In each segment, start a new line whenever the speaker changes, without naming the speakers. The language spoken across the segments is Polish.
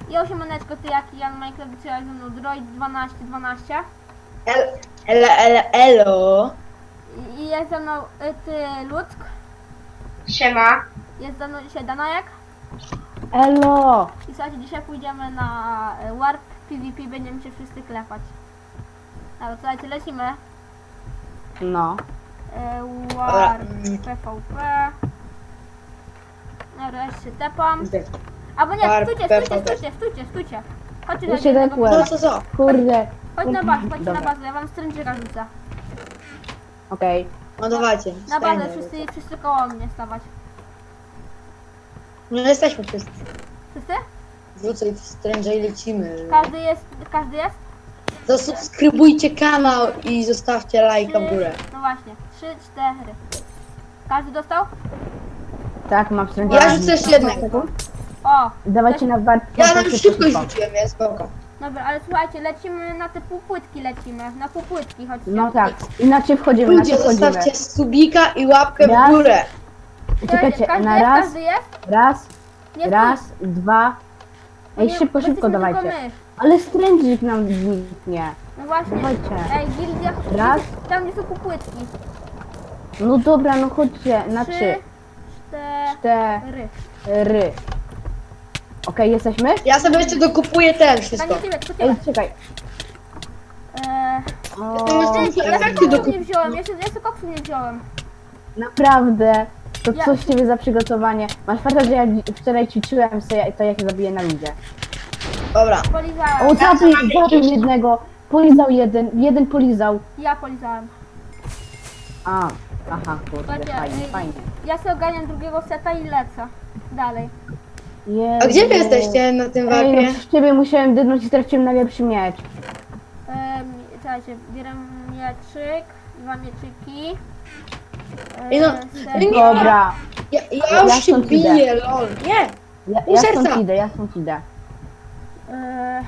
I 8 monetko, ty jaki Jan Minecraft wysyłał ze mną Droid 1212.
Elo.
I jest ze mną ty Ludzk.
Siema.
Jest ze mną dzisiaj Danajek.
Elo!
I słuchajcie, dzisiaj pójdziemy na Warp PvP, będziemy się wszyscy klepać. Dobra, słuchajcie, lecimy.
No.
Warp PvP. Dobra, ja się tepam. Albo nie,
Warp
stójcie. Chodźcie
Ja się
do
tepłem.
Co?
Kurde.
Chodź na bazę, chodźcie na
Dobra.
bazę, ja wam stręczyka rzucę.
Okej.
No dawajcie.
Na bazę,
stajemy.
wszyscy koło mnie stawać.
No jesteśmy wszyscy.
Wszyscy?
Wrócę w Strange i lecimy.
Każdy jest?
Zasubskrybujcie kanał i zostawcie lajka w górę.
No właśnie, 3, 4. Każdy dostał?
Tak, mam stręczę.
Ja rzucę jeszcze jednego.
O!
Dawajcie na warp.
Ja tam szybko rzuciłem, jest spoko.
Dobra, ale słuchajcie, lecimy na te półpłytki, na półpłytki, chodźcie.
No tak. Inaczej wchodzimy,
Ludzie,
inaczej wchodzimy.
zostawcie subika i łapkę w
Raz.
górę.
Czekajcie,
Każdy
na
jest?
raz,
Każdy jest?
raz,
Nie
raz, dwa. Ej,
Nie,
szybko,
bo
szybko
jesteśmy
dawajcie.
tylko my.
Ale strędzik nam zniknie.
No właśnie.
Dawajcie.
Ej, gildia,
Raz.
tam gdzie są półpłytki.
No dobra, no chodźcie. Na
3,
trzy.
4.
4. Okej, jesteśmy?
Ja sobie jeszcze dokupuję ten
Tak,
wszystko.
nie tyle, tylko
Ej,
tyle.
czekaj. O,
Jak ty
Koksu
dokup...
nie wziąłem, jeszcze koksu nie wziąłem.
naprawdę. To
Ja-
coś ciebie za przygotowanie. Masz farta, że ja wczoraj ćwiczyłem sobie, to jak zabiję na ludzie.
Dobra.
Polizałem.
O, zabił jednego. Polizał jeden polizał.
Ja polizałem.
Aha, kurde,
Słuchajcie,
fajnie.
Ja sobie ogarniam drugiego seta i lecę. Dalej.
A gdzie wy
Jezu.
jesteście na tym
Ej,
warpie?
no z ciebie musiałem dydnąć i straciłem najlepszy miecz.
Czekajcie, bieram mieczyk, 2 mieczyki.
Ej, no,
Set.
nie.
Dobra,
Ja
Ja
już się
stąd idę.
biję, lol. Nie!
ja
serca.
stąd idę.
E,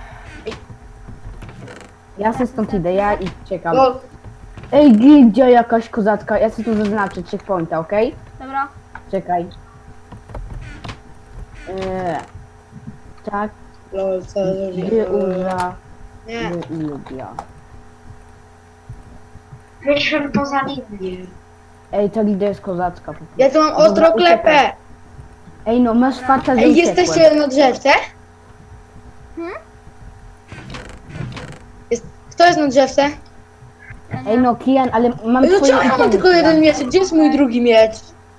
Ja se stąd idę, ja i czekam.
Lol.
Ej, gildia jakaś kozacka, ja sobie tu zaznaczę checkpointa, okej?
Dobra.
Czekaj. Tak,
Lol, co za
gildia,
Nie.
gildia.
Wyszłem poza linię.
Ej, ta gildia jest kozacka. po prostu.
Ja tu mam
Dobra,
ostro klepę.
uciekaj. Ej, no masz farta, że
Ej,
uciekłem.
jesteście na drzewce? Kto jest na drzewce?
Ja nie.
Ej, no Kian, ale mam
Ej, no
twoje
czemu ja mam
itemy,
tylko
Kian.
jeden miecz? Gdzie jest mój drugi miecz?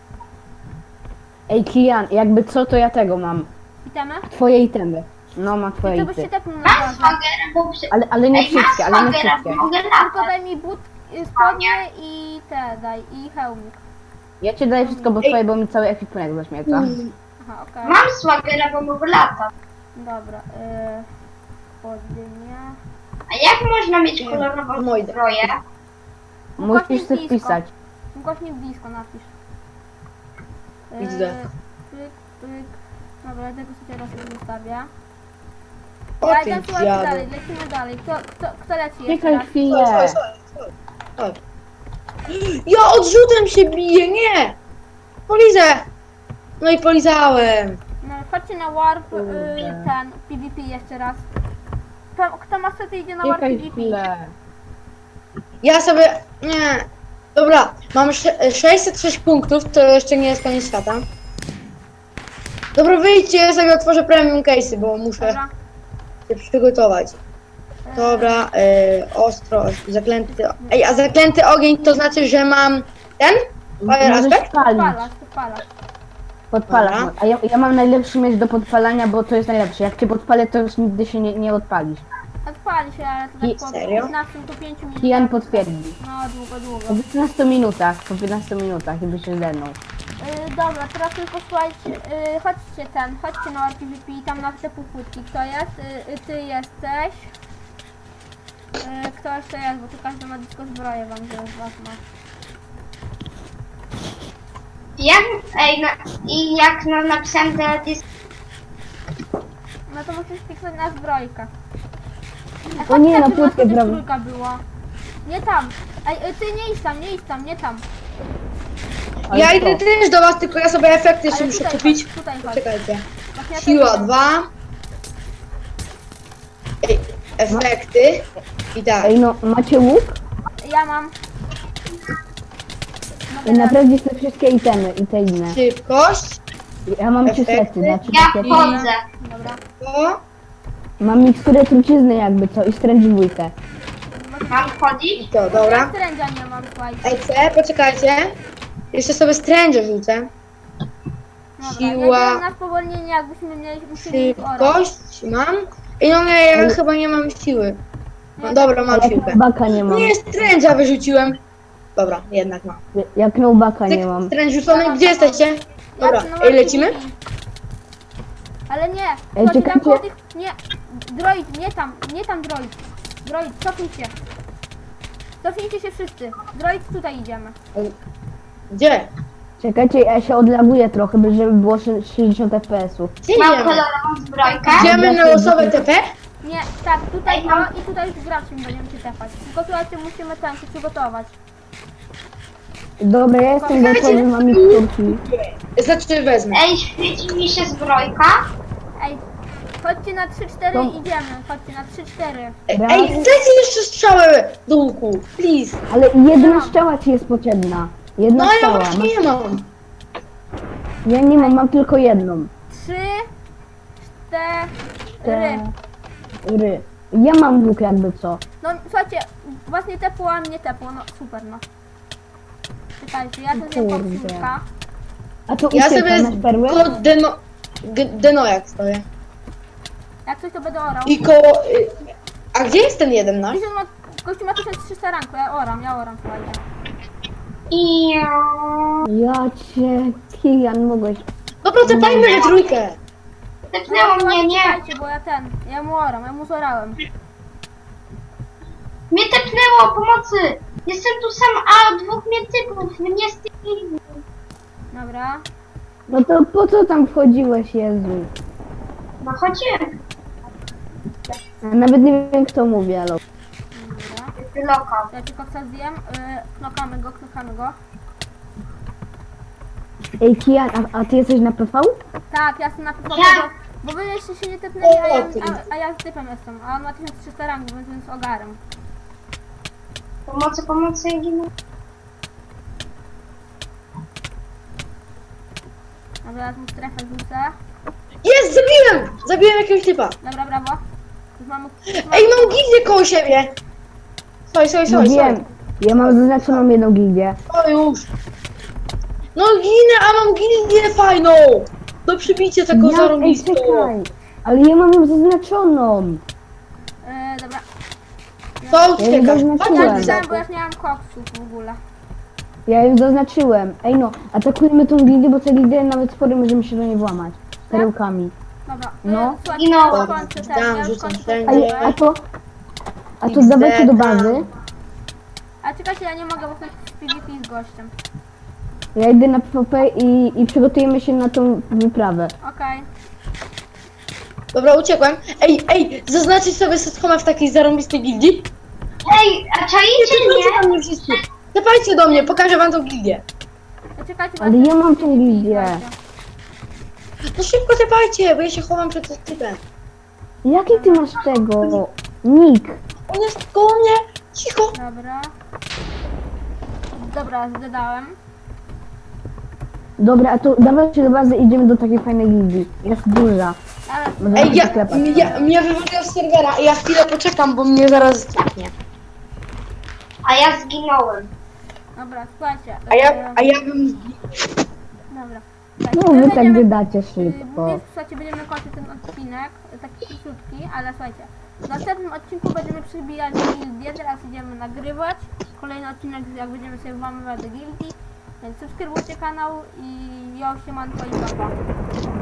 Ej, Kian, jakby co, to ja tego mam.
Witamy.
Twoje itemy. No, mam twoje
To byście
itemy.
tepnął na
Mam
bazę.
swagera, bo...
Ale nie
Ej, mam
wszystkie, ale nie
swagera,
wszystkie.
bo mogę
Tylko
latać.
daj mi spodnie i te daj, i hełmik.
Ja ci daję wszystko, bo twoje, bo mi cały ekwipunek zaśmieca.
Aha, okej.
Mam swagera, bo mogę latać.
Dobra, spodnie.
A jak można mieć kolorową
Mojda.
zbroję?
Musisz sobie wpisać.
Głośnik blisko napisz.
Widzę.
Pyk, pyk. Dobra, ja tego sobie raz sobie zostawię.
O
Ja
ty
idę, słuchajcie,
dziadu.
dalej, lecimy dalej. Kto leci jeszcze
Czekaj
raz?
chwilę.
Chodź. Ja odrzutem się biję, nie! Polizę! No i polizałem.
No, chodźcie na warp,
Kurde.
ten, PvP jeszcze raz. Kto ma sety idzie na warp
Czekaj
PvP?
chwilę.
Ja sobie... Nie. Dobra, mam 606 punktów, to jeszcze nie jest koniec świata. Dobra, wyjdźcie, ja sobie otworzę premium case'y, bo muszę
Dobra.
się przygotować. Dobra, ostro, zaklęty... Ej, a zaklęty ogień to znaczy, że mam ten? Fire
Możesz
aspect?
palić.
Podpalasz.
Podpalasz.
Dobra.
A ja mam najlepszy miecz do podpalania, bo to jest najlepsze. Jak cię podpalę, to już nigdy się nie odpalisz.
Odpali się, ale to tak po
Serio?
15 po 5 minutach.
Kian potwierdzi.
No, długo.
Po 15 minutach, i by się zdenął.
Dobra, teraz tylko słuchajcie, chodźcie na PvP i tam na te półpłytki. Kto jest? Ty jesteś. Kto jeszcze jest, bo tu każdy ma tylko zbroję wam, że z was ma.
Jak, ej, i jak napisałem teledysk...
No to musisz kliknąć na zbrojkę.
O nie, na
żeby
płytkę
nas
brawo.
trójka była. Nie tam. Ej, ty nie idź tam, nie tam.
Ale
Ja
co?
idę też do was, tylko ja sobie efekty jeszcze
Ale
muszę
tutaj
kupić.
chodź, tutaj chodź.
Czekajcie.
Właśnie ja
Siła
też
2. efekty i tak.
Ej, no, macie łuk?
Ja mam.
I naprawdę te wszystkie itemy i te inne.
Szybkość,
Ja mam 3
Efekty?
sety, znaczy
Ja
takie...
wchodzę.
Dobra.
to
Mam miksturę trucizny jakby co i stręcz dwójkę.
Mam wchodzić?
i to, dobra.
Strędzia nie mam, słuchajcie.
EC, poczekajcie. Jeszcze sobie stręże rzucę.
Dobra,
Siła.
jedziemy na spowolnienie, jakbyśmy musieli ich orać.
Szybkość mam. I no nie, ja chyba nie mam siły. No dobra, mam
Jak
siłkę.
nubaka nie mam.
Nie, stręża wyrzuciłem. Dobra, jednak mam.
Jak nubaka nie mam.
Stręż rzucony, gdzie jesteście? Dobra,
Ja
ej, lecimy?
Ale nie,
Ej,
chodź tam
czekajcie.
koło tych... Nie, droid, nie tam droid. Droid, cofnij się. Cofnijcie się wszyscy. Droid, tutaj idziemy.
Gdzie?
Czekajcie, ja się odlaguję trochę, żeby było 60 fps-ów.
Gdzie
Mam
idziemy?
kolorową zbrojkę.
Idziemy na losowe TP?
Nie, tak, tutaj i tutaj z graczem będziemy się tepać. Tylko słuchajcie, musimy tam się przygotować.
Dobra, ja jestem
Czekajcie.
gotowy, mam miksturki.
Znaczy wezmę.
Ej, świeci mi się zbrojka.
Ej, chodźcie na 3-4
To-
idziemy. Chodźcie na 3-4.
Ej, dajcie jeszcze strzałę do łuku, please.
Ale jedna strzała ci jest potrzebna. Jedna
No ja
strzała.
właśnie nie mam.
Ja nie mam, mam tylko jedną.
3, 4.
Ry. Ja mam łuk jakby co.
No słuchajcie, was nie tepło, a mnie tepło. No super, no. Czekajcie, ja to zjem
Kurde.
popsułka.
A to
Ja
ucieka,
sobie
masz perły?
koło Denojak stoję.
Jak coś to będę orał.
I koło... A gdzie jest ten jeden nasz?
Gościu ma 1300 ranku, ja oram, słuchajcie.
I
Ja cię, Kilian, mogłeś.
Dobra, tepajmy we trójkę.
tepnęło mnie, nie.
Czekajcie, bo ja mu zorałem.
Mnie tepnęło, pomocy. Jestem tu sam, a dwóch mnie typów. Mnie stykli.
Dobra.
No to po co tam wchodziłeś, Jezu?
No chodziłem.
Ja nawet nie wiem kto mówi, ale...
Dobra.
Lokal.
Ja tylko co zjem. Knokamy go.
Ej, Kian, a ty jesteś na PV?
Tak, ja jestem na pewno,
Ja-
bo wy jeszcze się nie tepnęli,
ty.
a ja z typem jestem. A on ma 1300 ranku, więc jest ogarem.
Pomocy, ja ginę.
Dobra, teraz mu strefę rzucę.
Jest, zabiłem! Zabiłem jakiegoś typa.
Dobra, brawo. Już mam...
Ej, mam gildię koło siebie. Stoj.
No wiem. Ja mam zaznaczoną jedną gildię.
O już. No ginę, a mam gildię fajną. Do przybicia taką
Ej,
zarąbistą.
czekaj. Ale ja mam ją zaznaczoną.
Dobra.
To
Ja ją
uciekasz.
Ja
zaznaczyłem.
pisałem, bo ja już nie mam koksów w ogóle.
Ja ją zaznaczyłem. Ej no, atakujmy tą gildię, bo te gildie nawet spory możemy się do niej włamać. Perełkami.
Dobra.
No.
Słuchajcie,
Ginąłem.
ja już kończę ten, ja już
Rzucam
kończę
wszędzie.
ten.
Ej, a to
XD,
dawajcie do bazy.
A czekajcie, ja nie mogę, bo chcę z PvP z gościem.
Ja idę na PvP i przygotujemy się na tą wyprawę.
Okej.
Dobra, uciekłem. Ej, zaznaczyć sobie Sethoma w takiej zarąbistej gildii?
Ej, a czaicie
Tepajcie
mnie?
do mnie wszyscy. Tepajcie do mnie, pokażę wam tą gildię.
Czekajcie, bo
Ale
chcę
ja mam
z
tą
PvP z
gildię.
gościem.
No szybko tepajcie, bo ja się chowam przed tym typem.
Jaki ty masz tego? Nick.
On jest koło mnie. Cicho.
Dobra. Dobra, zdedałem.
Dobra, a to dawajcie do bazy, idziemy do takiej fajnej gildii. Jest duża.
Ale
Możemy
Ej,
się sklepać.
mnie wywaliło z serwera i ja chwilę poczekam, bo mnie zaraz zdechnie.
A ja zginąłem.
dobra, słuchajcie.
A ja bym...
Dobra.
No wy tak wydacie szybko.
Więc słuchajcie, będziemy kończyć ten odcinek, taki króciutki, ale słuchajcie. W następnym odcinku będziemy przybijać gildię, teraz idziemy nagrywać. Kolejny odcinek, jak będziemy sobie włamywać do gildii. Więc subskrybujcie kanał i ja siemanko i papa.